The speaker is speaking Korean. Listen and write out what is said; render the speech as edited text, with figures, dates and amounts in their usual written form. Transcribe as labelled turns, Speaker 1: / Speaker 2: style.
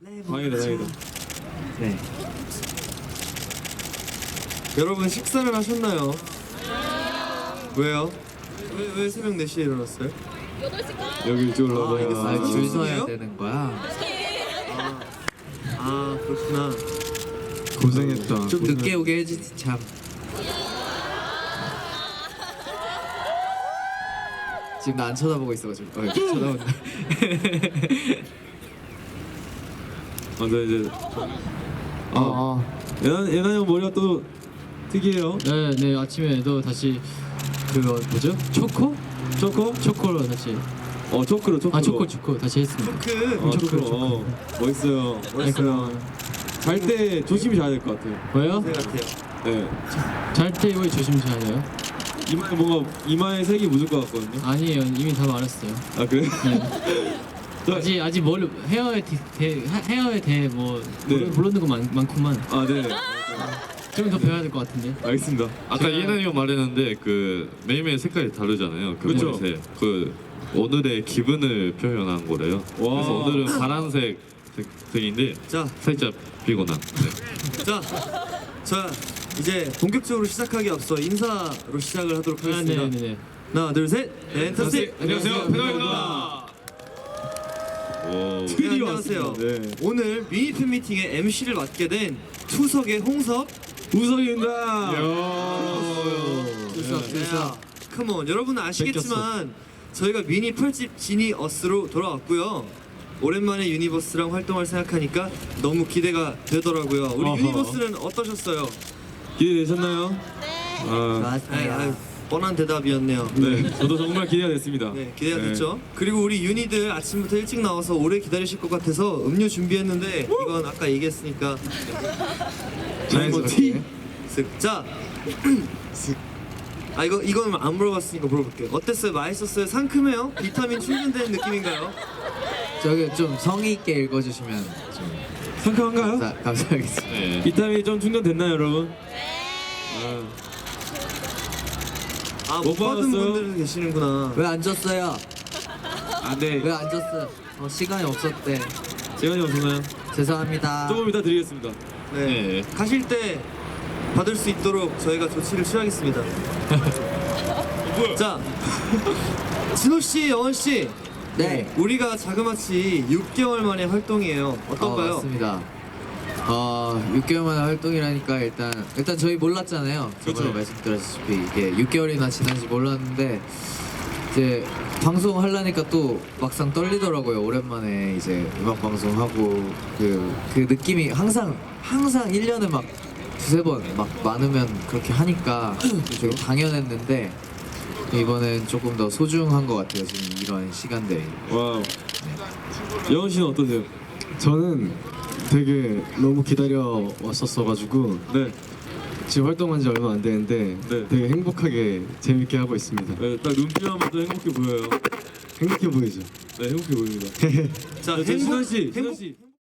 Speaker 1: 다행이다, 다행이다.
Speaker 2: 네.
Speaker 3: 여러분 식사를 하셨나요? 왜요? 왜 새벽 4시에 일어났어요?
Speaker 1: 여기 이쪽으로
Speaker 3: 아, 알겠어요.
Speaker 1: 와봐.
Speaker 2: 줄 서야
Speaker 3: 죄송해요?
Speaker 2: 되는 거야.
Speaker 3: 아 그렇구나.
Speaker 1: 고생했다.
Speaker 2: 좀 늦게 오게 해주지 참. 지금 나 안 쳐다보고 있어가지고. 쳐다본다.
Speaker 1: 맞아 이제. 예나 형 머리가 또 특이해요.
Speaker 4: 네, 아침에도 다시 그거 뭐죠? 초코? 초코로 다시.
Speaker 1: 초크로.
Speaker 4: 초코 다시 했습니다.
Speaker 1: 초크로. 멋있어요.
Speaker 4: 멋있어요.
Speaker 1: 잘 때 조심히 자야 될 것 같아요.
Speaker 4: 왜요?
Speaker 3: 네 같아요.
Speaker 1: 네.
Speaker 4: 잘 때 왜 조심해야
Speaker 1: 이마에 뭔가 이마에 색이 묻을 것 같거든요.
Speaker 4: 아니에요, 이미 다 말했어요.
Speaker 1: 아 그래?
Speaker 4: 네. 아직 뭘 헤어에 대해 뭐
Speaker 1: 네.
Speaker 4: 모르는 거 많구만.
Speaker 1: 아 네.
Speaker 4: 좀 더 배워야 될 것 같은데.
Speaker 1: 알겠습니다.
Speaker 5: 아까 예나이가 말했는데 그 매일매일 색깔이 다르잖아요. 그
Speaker 1: 그쵸.
Speaker 5: 머리색. 그 오늘의 기분을 표현한 거래요.
Speaker 1: 와.
Speaker 5: 그래서 오늘은 파란색 색인데
Speaker 3: 자,
Speaker 5: 살짝 피곤한. 네.
Speaker 3: 자 이제 본격적으로 시작하기 앞서 인사로 시작을 하도록 하겠습니다.
Speaker 4: 네네네.
Speaker 3: 하나 둘 셋. 엔터스.
Speaker 1: 안녕하세요. 페더입니다.
Speaker 5: 오.
Speaker 3: 네, 안녕하세요.
Speaker 1: 네.
Speaker 3: 오늘 미니 팬미팅의 MC를 맡게 된 투석의 홍섭.
Speaker 1: 우석입니다.
Speaker 3: 투석. 컴온. 여러분은 아시겠지만 저희가 미니 8집 지니어스로 돌아왔고요. 오랜만에 유니버스랑 활동할 생각하니까 너무 기대가 되더라고요. 우리
Speaker 1: 어허.
Speaker 3: 유니버스는 어떠셨어요?
Speaker 1: 기대되셨나요?
Speaker 3: 아유, 뻔한 대답이었네요.
Speaker 1: 네. 저도 정말 기대가 됐습니다.
Speaker 3: 네, 기대가 됐죠. 그리고 우리 유니들 아침부터 일찍 나와서 오래 기다리실 것 같아서 음료 준비했는데 이건 아까 얘기했으니까
Speaker 1: 자연스럽게.
Speaker 3: 쓱. 자, 이건 안 물어봤으니까 물어볼게요. 어땠어요? 맛있었어요? 상큼해요? 비타민 충전된 느낌인가요?
Speaker 2: 저기 좀 성의 있게 읽어주시면 좀
Speaker 1: 상큼한가요?
Speaker 2: 감사하겠습니다.
Speaker 5: 네.
Speaker 1: 비타민이 좀 충전됐나요, 여러분?
Speaker 3: 못
Speaker 1: 못
Speaker 3: 받은
Speaker 1: 받았어요?
Speaker 3: 분들도 계시는구나.
Speaker 2: 왜 안 줬어요?
Speaker 1: 네.
Speaker 2: 왜 안 줬어? 시간이 없었대.
Speaker 1: 시간이 없었나요?
Speaker 2: 죄송합니다.
Speaker 1: 조금 이따 드리겠습니다.
Speaker 3: 네.
Speaker 5: 네.
Speaker 3: 가실 때 받을 수 있도록 저희가 조치를 취하겠습니다. 자, 진호 씨, 여원 씨.
Speaker 2: 네.
Speaker 3: 우리가 자그마치 6개월 만에 활동이에요. 어떤가요?
Speaker 2: 맞습니다. 6개월 만에 활동이라니까 일단 저희 몰랐잖아요. 저번에
Speaker 1: 그렇죠.
Speaker 2: 말씀드렸다시피 이게 6개월이나 지난지 몰랐는데 이제 방송 하려니까 또 막상 떨리더라고요. 오랜만에 이제 음악 방송하고 그 느낌이 항상 1년에 막 두세 번 막 많으면 그렇게 하니까 되게 당연했는데 이번엔 조금 더 소중한 것 같아요. 지금 이런 시간들이.
Speaker 1: 와우. 여원 씨는 어떠세요?
Speaker 6: 저는 되게 너무 기다려 왔었어가지고
Speaker 1: 네.
Speaker 6: 지금 활동한 지 얼마 안 되는데
Speaker 1: 네.
Speaker 6: 되게 행복하게 재밌게 하고 있습니다.
Speaker 1: 네, 딱 눈빛만 봐도 행복해 보여요.
Speaker 6: 행복해 보이죠?
Speaker 1: 네, 행복해 보입니다.
Speaker 3: 자,
Speaker 1: 신원 씨, 신원 씨.